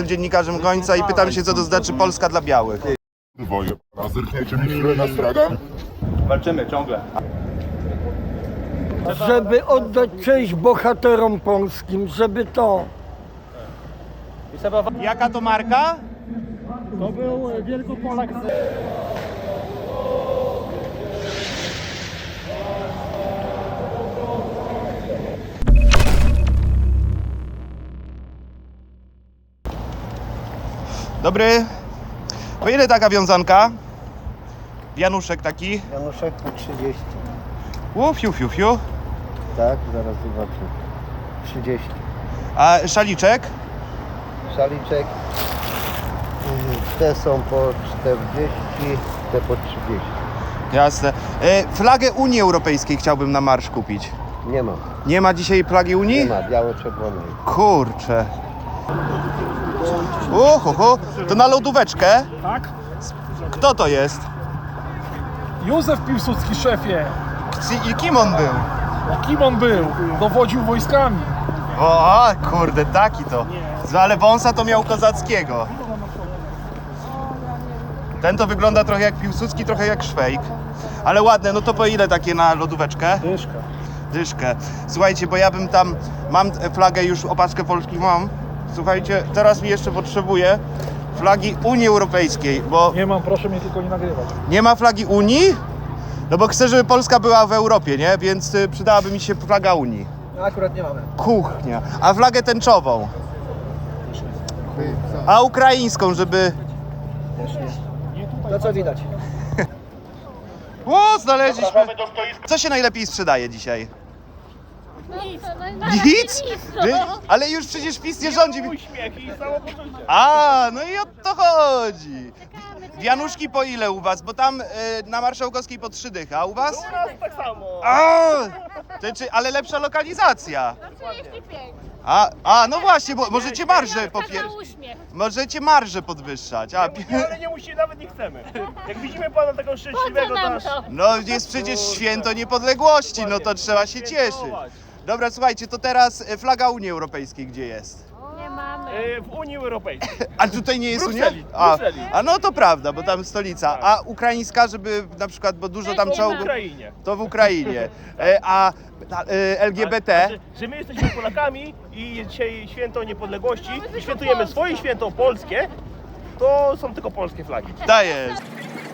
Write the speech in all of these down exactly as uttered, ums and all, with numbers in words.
jestem dziennikarzem Gońca i pytam się, co to znaczy Polska dla białych. Dwoje, a zerkniecie mi chwilę na stragan? Walczymy ciągle. Żeby oddać cześć bohaterom polskim, żeby to... Jaka to marka? To był Wielkopolak. Dobry. Po ile taka wiązanka? Januszek taki. Januszek po trzydzieści. U, fiu, fiu, fiu. Tak, zaraz zobaczę. trzydzieści. A szaliczek? Szaliczek. y, Te są po czterdzieści, te po trzydzieści. Jasne. E, flagę Unii Europejskiej chciałbym na marsz kupić. Nie ma. Nie ma dzisiaj flagi Unii? Nie ma biało-czerwonej. Kurczę. Uhu, to na lodóweczkę? Tak? Kto to jest? Józef Piłsudski, szefie. I kim on był? Kim on był? Dowodził wojskami. O, kurde, taki to. Ale wąsa to miał kozackiego. Ten to wygląda trochę jak Piłsudski, trochę jak Szwejk. Ale ładne, no to po ile takie na lodóweczkę? Dyszka. Dyszkę. Słuchajcie, bo ja bym tam, mam flagę już, opaczkę polskich mam. Słuchajcie, teraz mi jeszcze potrzebuję flagi Unii Europejskiej, bo Nie mam, proszę mnie tylko nie nagrywać. nie ma flagi Unii? No bo chcę, żeby Polska była w Europie, nie? Więc y, przydałaby mi się flaga Unii. Akurat nie mamy. Kuchnia. A flagę tęczową? A ukraińską, żeby... To co widać? O, znaleźliśmy! Co się najlepiej sprzedaje dzisiaj? Nic, Nic? Wy- Ale już przecież PiS nie rządzi. Uśmiech i samopoczucie. A, no i o to chodzi. Wianuszki po ile u was? Bo tam y, na Marszałkowskiej po trzy dychy, a u was? U nas tak samo. A, to czy, ale lepsza lokalizacja. trzydzieści pięć. A, a no właśnie, bo możecie marże popier... Uśmiech. Możecie marże podwyższać. A, pi- Ale nie musimy, nawet nie chcemy. Jak widzimy pana takiego Po szczęśliwego, co to nam aż... to? no jest przecież święto niepodległości, no to trzeba się cieszyć. Dobra, słuchajcie, to teraz y, flaga Unii Europejskiej gdzie jest? Nie mamy. Y, W Unii Europejskiej. A tutaj nie jest Unia? Brukseli, A, Brukseli. a no to prawda, bo tam stolica. A ukraińska, żeby na przykład, bo dużo tam Nie W czołgów, Ukrainie. to w Ukrainie. E, A e, L G B T? Znaczy, że my jesteśmy Polakami i jest dzisiaj święto niepodległości i świętujemy swoje święto polskie, to są tylko polskie flagi. To jest.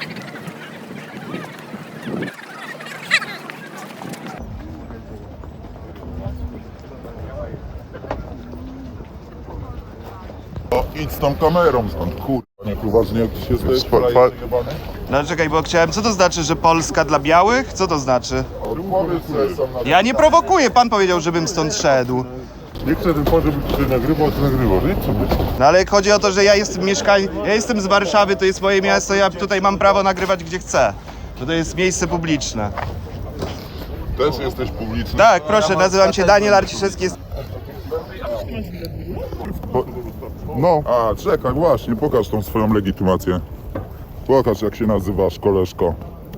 O, idź z tą kamerą stąd, kurwa, niech uważnie jak ty się zdajesz, Fa- fa- frajerze jebany. No czekaj, bo chciałem, co to znaczy, że Polska dla białych? Co to znaczy? Powiedz sobie sam na... Ja nie prowokuję, pan powiedział, żebym stąd szedł. Nie chcę tylko, żebyś ty nagrywał, ty nagrywasz, idź sobie. No ale chodzi o to, że ja jestem mieszkań... ja jestem z Warszawy, to jest moje miasto, ja tutaj mam prawo nagrywać gdzie chcę. Bo to jest miejsce publiczne. Też jesteś publiczny. Tak, proszę, nazywam się Daniel Arciszewski. Jest... Po... No. A, czekaj, właśnie, pokaż tą swoją legitymację. Pokaż, jak się nazywasz, koleżko.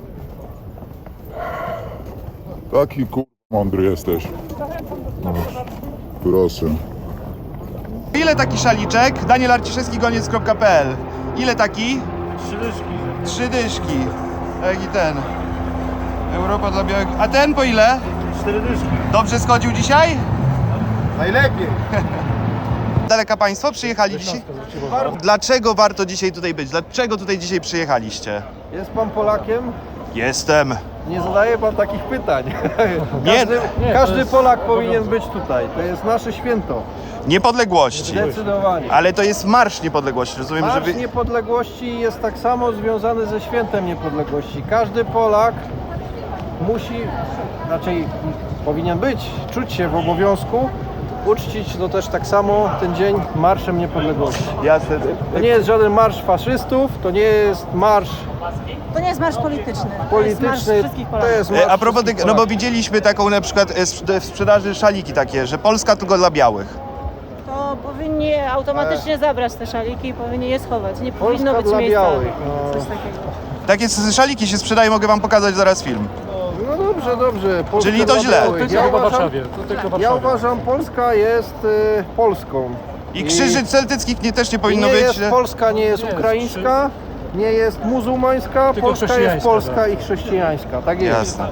Taki kur... mądry jesteś. No, proszę. Ile taki szaliczek? Daniel Arciszewski, goniec kropka p l. Ile taki? Trzy dyszki. Trzy dyszki. Jak i ten. Europa dla białych. A ten po ile? Cztery dyszki. Dobrze schodził dzisiaj? Najlepiej. Daleka państwo przyjechaliście? Dlaczego warto dzisiaj tutaj być? Dlaczego tutaj dzisiaj przyjechaliście? Jest pan Polakiem? Jestem. Nie zadaje pan takich pytań. Nie, Każdy, każdy Polak powinien być tutaj. To jest nasze święto. niepodległości. Zdecydowanie. Ale to jest Marsz Niepodległości. Rozumiem, że Marsz wy... Niepodległości jest tak samo związany ze świętem niepodległości. Każdy Polak musi, raczej powinien być, czuć się w obowiązku, uczcić no też tak samo ten dzień Marszem Niepodległości. Jasne. To nie jest żaden marsz faszystów, to nie jest marsz To nie jest marsz polityczny. polityczny, To jest marsz wszystkich to Polaków. jest marsz E, A propos wszystkich tych, no bo Polaków. widzieliśmy taką na przykład e, sprz- w sprzedaży szaliki takie, że Polska tylko dla białych. To powinni automatycznie zabrać te szaliki i powinni je schować. Nie powinno być dla miejsca białych, na no. coś takiego. Takie s- szaliki się sprzedają, mogę wam pokazać zaraz film. No dobrze, dobrze. Polska Czyli to dla źle. białych. Tylko Ja chyba w uważam, Warszawie. To tylko w ja Warszawie. uważam, Polska jest y, Polską. I krzyży celtyckich nie, też nie powinno nie być. jest że- Polska, nie jest ukraińska, nie jest muzułmańska, Tylko Polska jest chrześcijańska, polska tak. i chrześcijańska. Tak jest. Jasne.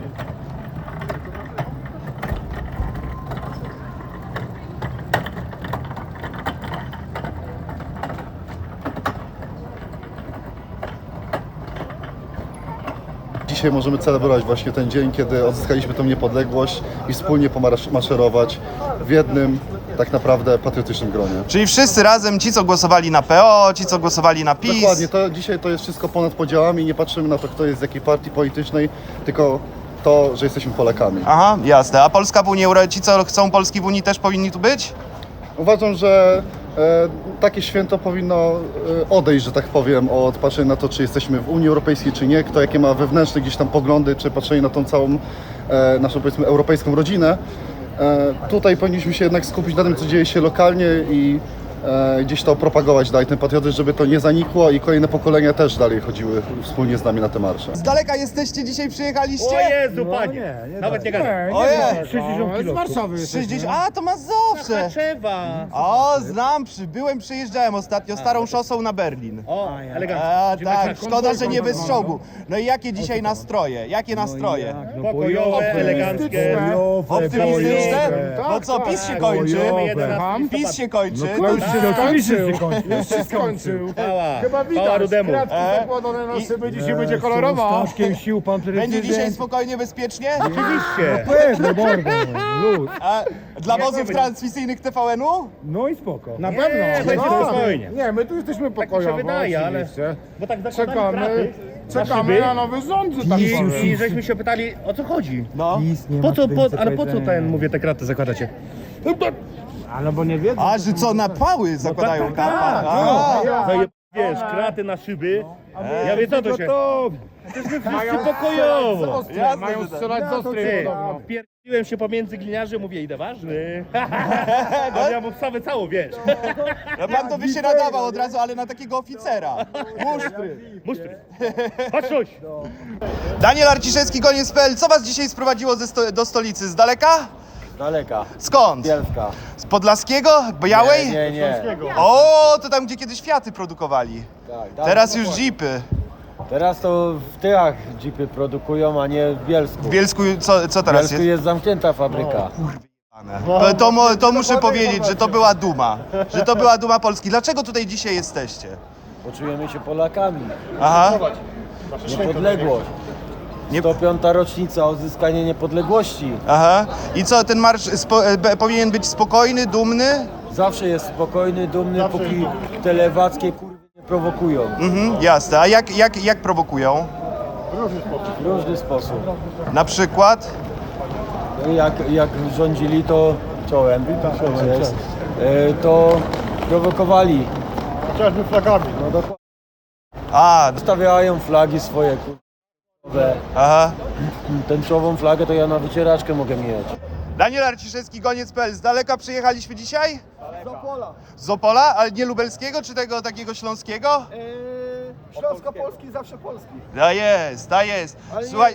Dzisiaj możemy celebrować właśnie ten dzień, kiedy odzyskaliśmy tę niepodległość i wspólnie pomaszerować w jednym, tak naprawdę patriotycznym gronie. Czyli wszyscy razem, ci co głosowali na P O, ci co głosowali na PiS. Dokładnie, to dzisiaj to jest wszystko ponad podziałami, nie patrzymy na to, kto jest z jakiej partii politycznej, tylko to, że jesteśmy Polakami. Aha, jasne. A Polska w Unii Europejskiej, ci co chcą Polski w Unii też powinni tu być? Uważam, że e, takie święto powinno e, odejść, że tak powiem, od patrzenia na to, czy jesteśmy w Unii Europejskiej, czy nie, kto jakie ma wewnętrzne gdzieś tam poglądy, czy patrzenie na tą całą e, naszą, powiedzmy, europejską rodzinę. E, tutaj powinniśmy się jednak skupić na tym, co dzieje się lokalnie i e, gdzieś to propagować dalej, ten patriotyzm, żeby to nie zanikło i kolejne pokolenia też dalej chodziły wspólnie z nami na te marsze. Z daleka jesteście, dzisiaj przyjechaliście? O Jezu, panie! Nawet nie gadaj. Ojej! sześćdziesiąt kilo. Z Warszawy sześćdziesiąt, a to Mazowsze! Trzewa! O, znam, przy, byłem, przyjeżdżałem ostatnio starą szosą na Berlin. O, elegancko. A, tak, szkoda, że nie bez czołgu. No i jakie dzisiaj nastroje? Jakie nastroje? Pokojowe, eleganckie. Optymistyczne? No co, PiS się kończy? jedenasty PiS się kończy. Oczywiście się kończył. Już się skończył. Pała. Chyba Pała Rudemu. Zakładane na szyby, dzisiaj będzie kolorowa. sił pan Będzie dzisiaj spokojnie, bezpiecznie? Oczywiście. Pewno, mordo, luz. A dla wozów transmisyjnych T V N-u? No i spoko. Na Nie, pewno. będzie No, spokojnie. Nie, my tu jesteśmy Tak mi się pokojowo. wydaje, ale... oczywiście. Bo tak zakładamy Czekamy, kraty na czekamy szyby na nowy rząd, że tak i, powiem. i żeśmy się pytali, o co chodzi? No. Po co, po, ale po co ten, mówię, te kraty zakładacie? Ale bo nie wiedzą. A, że co, na pały zakładają tak, tak, kapa? tak. A. Zaje- Wiesz, kraty na szyby. Ja wiem, co to się... Jesteśmy wszyscy pokojowo. Jasne, Mają że tak. strzelać z ostrej Ty, podobno. wpierdoliłem się pomiędzy gliniarzy, mówię, idę ważny. A ja mu wstawę całą, wiesz. No pan to by się nadawał od razu, ale na takiego oficera. Musztry. Musztry. Chodź, chodź. Daniel Arciszewski, koniec kropka p l. Co was dzisiaj sprowadziło ze sto do stolicy? Z daleka? Daleka. Skąd? Bielska. Z Podlaskiego? Białej? Nie, nie. O, to tam, gdzie kiedyś Fiaty produkowali. Tak, Teraz już Jeepy. Teraz to w Tychach jeepy produkują, a nie w Bielsku. W Bielsku co, co W teraz Bielsku jest? jest zamknięta fabryka. To, to, mo- to muszę powiedzieć, że to była duma. Że to była duma Polski. Dlaczego tutaj dzisiaj jesteście? Poczujemy się Polakami. Aha. Niepodległość. Nie- sto piąta rocznica odzyskania niepodległości. Aha. I co, ten marsz spo- e, powinien być spokojny, dumny? Zawsze jest spokojny, dumny, póki te lewackie kurwy nie prowokują. Mhm, jasne. A jak, jak, jak prowokują? W różny sposób. Na przykład? Jak, jak rządzili, to czołem, cześć, e, to prowokowali. Chociażby flagami. No dokładnie. A, Stawiają flagi swoje kurwa. aha. Tęczową flagę to ja na wycieraczkę mogę mieć. Daniel Arciszewski, koniec kropka p l. Z daleka przyjechaliśmy dzisiaj? Z Opola. Z Opola? Ale nie lubelskiego, czy tego takiego śląskiego? Śląsko-Polski zawsze Polski. Da jest, da jest. Słuchaj,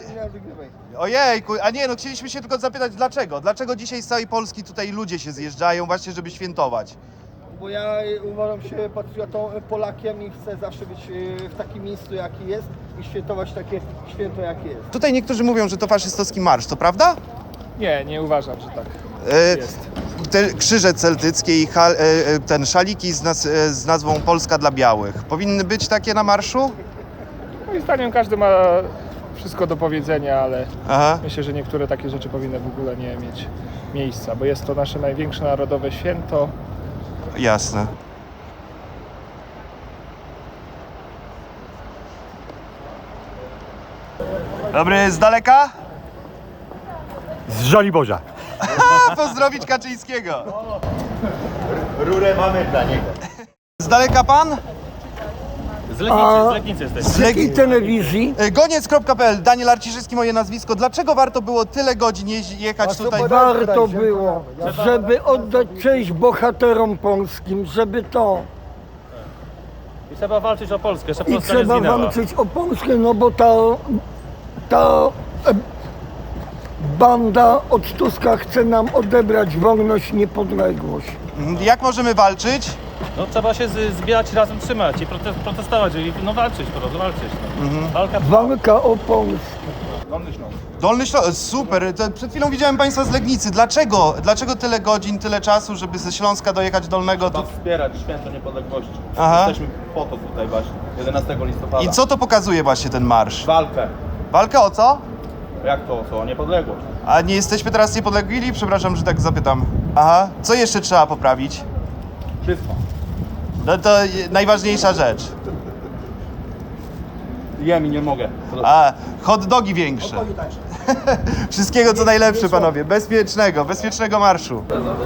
ojejku, a nie, no chcieliśmy się tylko zapytać dlaczego? Dlaczego dzisiaj z całej Polski tutaj ludzie się zjeżdżają właśnie, żeby świętować? Bo ja uważam się patriotą, Polakiem i chcę zawsze być e, w takim miejscu, jaki jest i świętować takie święto, jakie jest. Tutaj niektórzy mówią, że to faszystowski marsz, to prawda? Nie, nie uważam, że tak. E, te krzyże celtyckie i hal, e, e, ten szaliki z, naz, e, z nazwą Polska dla Białych. Powinny być takie na marszu? Moim zdaniem każdy ma wszystko do powiedzenia, ale Aha. myślę, że niektóre takie rzeczy powinny w ogóle nie mieć miejsca, bo jest to nasze największe narodowe święto. Jasne. Dobry, z daleka? Z Żoliborza. A, pozdrowić Kaczyńskiego. Rurę mamy dla niego. Z daleka pan? Z Legnicy, z Legnicy jesteś. Z Z jakiej telewizji? Goniec kropka p l. Daniel Arciszewski, moje nazwisko. Dlaczego warto było tyle godzin jeździ- jechać tutaj? Warto było, żeby oddać cześć bohaterom polskim, żeby to. I trzeba walczyć o Polskę, żeby I trzeba walczyć o Polskę, no bo to, to e, Banda od Tuska chce nam odebrać wolność, niepodległość. Jak możemy walczyć? No trzeba się z, zbierać razem, trzymać i prote, protestować, i no walczyć po prostu, walczyć. No. Walka Walka o Polskę. Dolny Śląsk, super. To przed chwilą widziałem Państwa z Legnicy. Dlaczego? Dlaczego tyle godzin, tyle czasu, żeby ze Śląska dojechać Dolnego? Trzeba wspierać święto niepodległości. Aha. Jesteśmy po to tutaj właśnie, jedenastego listopada. I co to pokazuje właśnie ten marsz? Walkę. Walka o co? Jak to, co? O niepodległość. A nie jesteśmy teraz niepodlegli? Przepraszam, że tak zapytam. Aha. Co jeszcze trzeba poprawić? Wszystko. No to najważniejsza rzecz. Jem i nie mogę. A, hot dogi większe. Wszystkiego co najlepsze, panowie. Bezpiecznego, bezpiecznego marszu.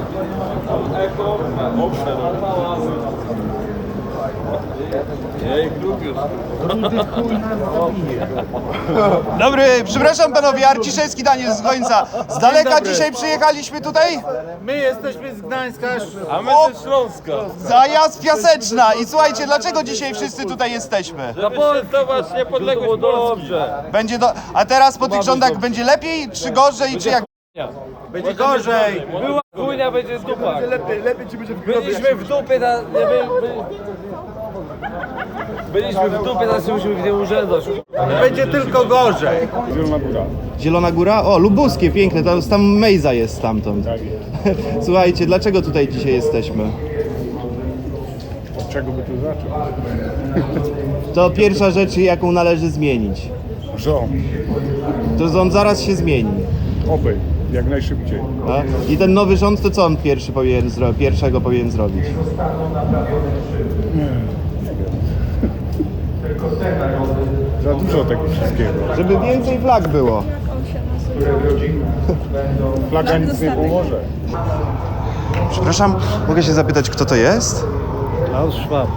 Dobry, przepraszam panowie, Arciszewski Daniel z Gońca. Z daleka dzisiaj przyjechaliśmy tutaj? My jesteśmy z Gdańska, A my ze Śląska. Zajazd Piaseczna. I słuchajcie, dlaczego dzisiaj wszyscy tutaj jesteśmy? Żeby świętować niepodległość Polski. Będzie do... A teraz po tych rządach będzie lepiej, czy gorzej, czy jak? będzie gorzej. Była chujnia, będzie dupa. Lepiej, lepiej ci będzie w Byliśmy w dupie, na, nie, by, by, byliśmy w dupie, teraz musimy w nie urzędać. Będzie tylko gorzej. Zielona Góra? O, lubuskie, piękne, tam, tam Mejza jest stamtąd. Słuchajcie, dlaczego tutaj dzisiaj jesteśmy? Od czego by tu zacząć? To pierwsza rzecz, jaką należy zmienić. Rząd. To rząd zaraz się zmieni. Obej, jak najszybciej. A? I ten nowy rząd, to co on pierwszy powinien zro... pierwszego powinien zrobić? Za dużo tego wszystkiego. Żeby więcej flag było. Flaga nic nie pomoże. Przepraszam, mogę się zapytać, kto to jest? Klaus Schwab.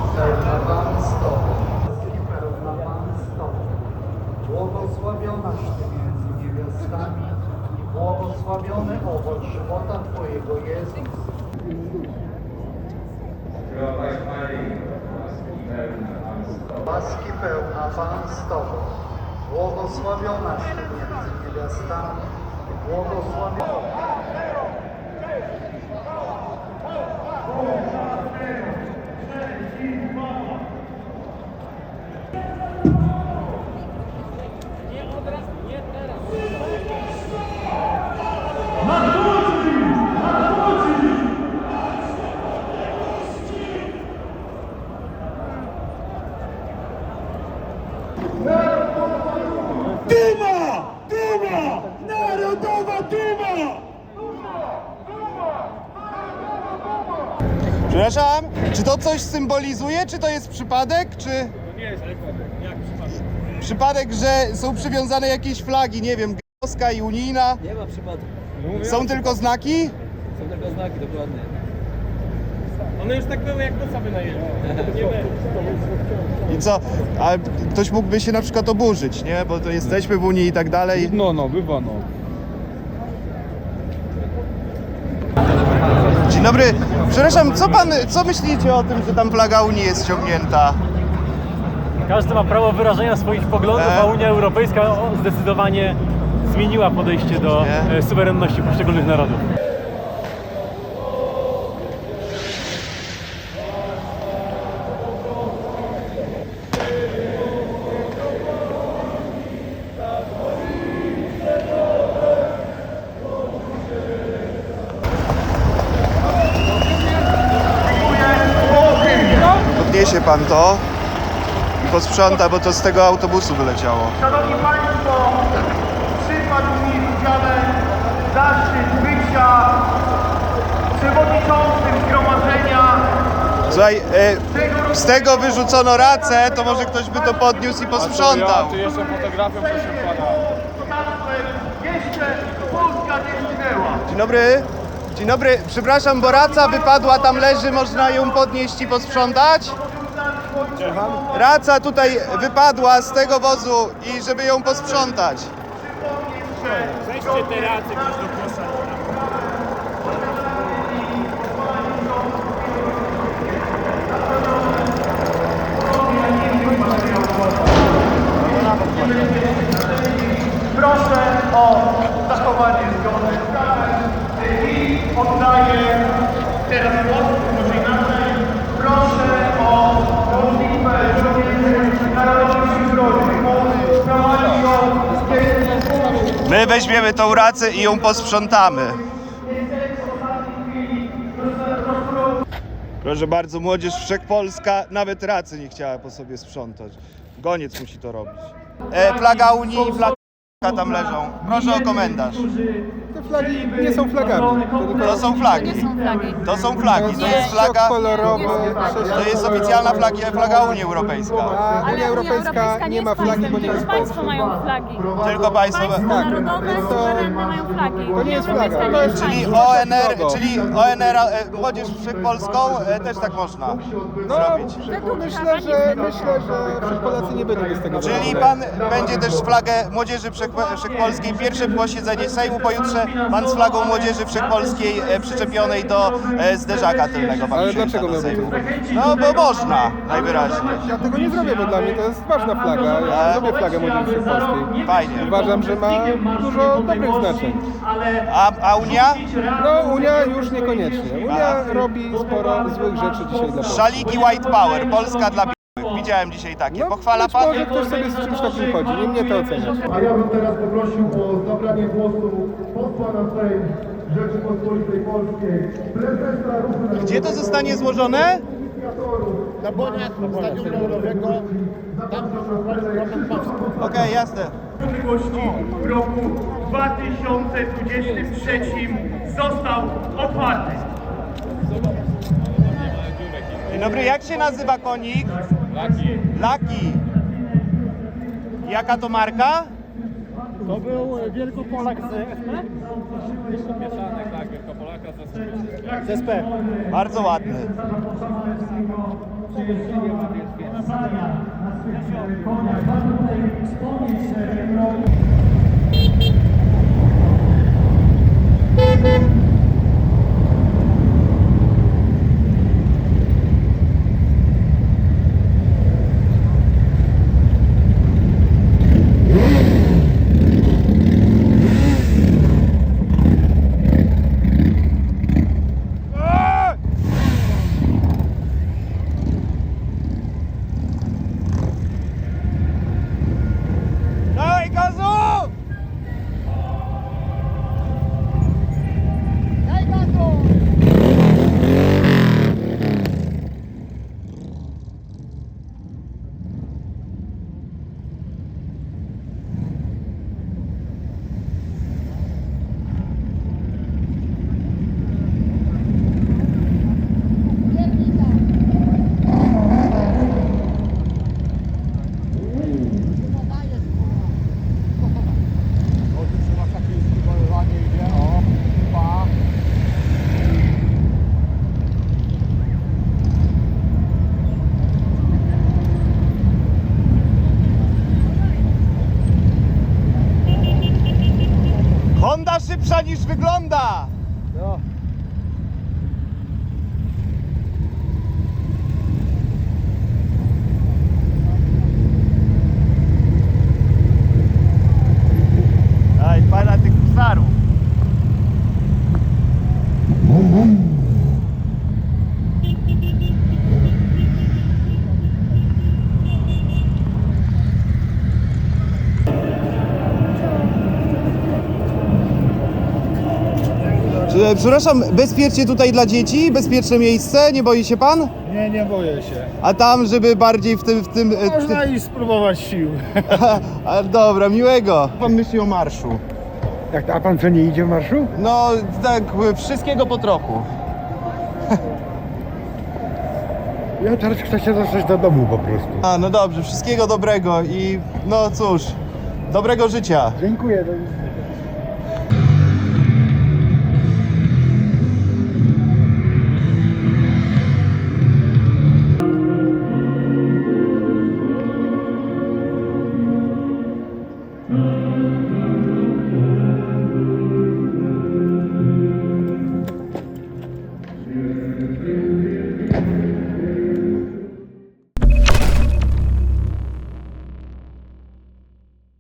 Błogosławionaś Ty między niewiastami i błogosławiony owoc żywota Twojego Jezus. Łaski pełna Pan z Tobą, błogosławionaś Ty między niewiastami i błogosławiony. Przepraszam, czy to coś symbolizuje, czy to jest przypadek, czy... Nie jest przypadek. Jak przypadek? Przypadek, że są przywiązane jakieś flagi, nie wiem, gałska i unijna. Nie ma przypadku. Są tylko znaki? Są tylko znaki, dokładnie. One już tak były, jak noca wynajęli. Nie będzie. I co? A ktoś mógłby się na przykład oburzyć, nie? Bo to jesteśmy w Unii i tak dalej. No, no, bywa no. Dzień dobry. Przepraszam, co pan, co myślicie o tym, że tam flaga Unii jest ściągnięta? Każdy ma prawo wyrażenia swoich poglądów, E? a Unia Europejska zdecydowanie zmieniła podejście do Nie? e, suwerenności poszczególnych narodów. Podniesie pan to i posprząta, bo to z tego autobusu wyleciało. Szanowni Państwo, przypadł mi w udziale zaszczyt bycia przewodniczącym zgromadzenia. Słuchaj, e, z tego wyrzucono racę, to może ktoś by to podniósł i posprzątał. Ty jeszcze fotografią, proszę pana. Jeszcze Polska nie zginęła. Dzień dobry. Dzień dobry. Przepraszam, bo raca wypadła, tam leży, można ją podnieść i posprzątać? Raca tutaj wypadła z tego wozu i żeby ją posprzątać. Weźcie te racje, ktoś do kosza. Proszę o zachowanie My weźmiemy tą racę i ją posprzątamy. Proszę bardzo, młodzież wszechpolska nawet racy nie chciała po sobie sprzątać. Goniec musi to robić. E, flaga Unii i flaga tam leżą. Proszę o komentarz. Te flagi nie są flagami. To są flagi. To są flagi. To jest flaga. kolorowy. To jest oficjalna flaga, flaga Unii Europejskiej. A Unia Europejska nie ma flagi, bo nie jest Państwo mają flagi. Tylko państwo. Narodowe, suwerenne mają flagi. To nie jest flaga. To jest Czyli O N R, czyli O N R, e, młodzież wszechpolską e, też tak można No, zrobić. myślę, że myślę, że Wszechpolacy nie będą z tego Czyli zadowoleni. pan będzie też flagę Młodzieży Wszech- Wszechpolskiej. Pierwsze posiedzenie Sejmu pojutrze pan z flagą Młodzieży Wszechpolskiej e, przyczepionej do e, zderzaka tylnego. Pan Ale przyjeżdża dlaczego do miałbym to Sejmu. zrobić? No bo można, najwyraźniej. Ja tego nie zrobię, bo dla mnie to jest ważna flaga. Ja lubię flagę Młodzieży Wszechpolskiej. Fajnie. Uważam, że ma dużo dobrych znaczeń. A, a Unia? No, Unia już niekoniecznie. Unia robi sporo złych rzeczy dzisiaj dla Polski. Szaliki White Power, Polska dla białych. Widziałem dzisiaj takie. Pochwala Być pan? może ktoś sobie z czymś takim chodzi, nie mnie to oceniać. A ja bym teraz poprosił o zabranie głosu posła na Sejm Rzeczypospolitej Polskiej, prezesa ruchu. Gdzie to zostanie złożone? Na boniach Stadionu Narodowego, tam Okej, jasne. w roku dwa tysiące dwudziestym trzecim został otwarty. Dzień dobry, jak się nazywa konik? Laki. Laki. Jaka to marka? To był Wielkopolak z S P? Mieszanek, tak, Wielkopolaka ze Z S P. Bardzo ładny. Dawaj gazu! Honda szybsza niż wygląda! Daj, pana tych psarów. Przepraszam, bezpiecznie tutaj dla dzieci? Bezpieczne miejsce? Nie boi się pan? Nie, nie boję się. A tam, żeby bardziej w tym... W tym, w tym... Można i spróbować sił. A, dobra, miłego. Pan myśli o marszu? Jak, a pan co, nie idzie w marszu? No, tak, wszystkiego po trochu. Ja teraz chcę się dostać do domu po prostu. A, no dobrze, wszystkiego dobrego i no cóż, dobrego życia. Dziękuję. Do widzenia.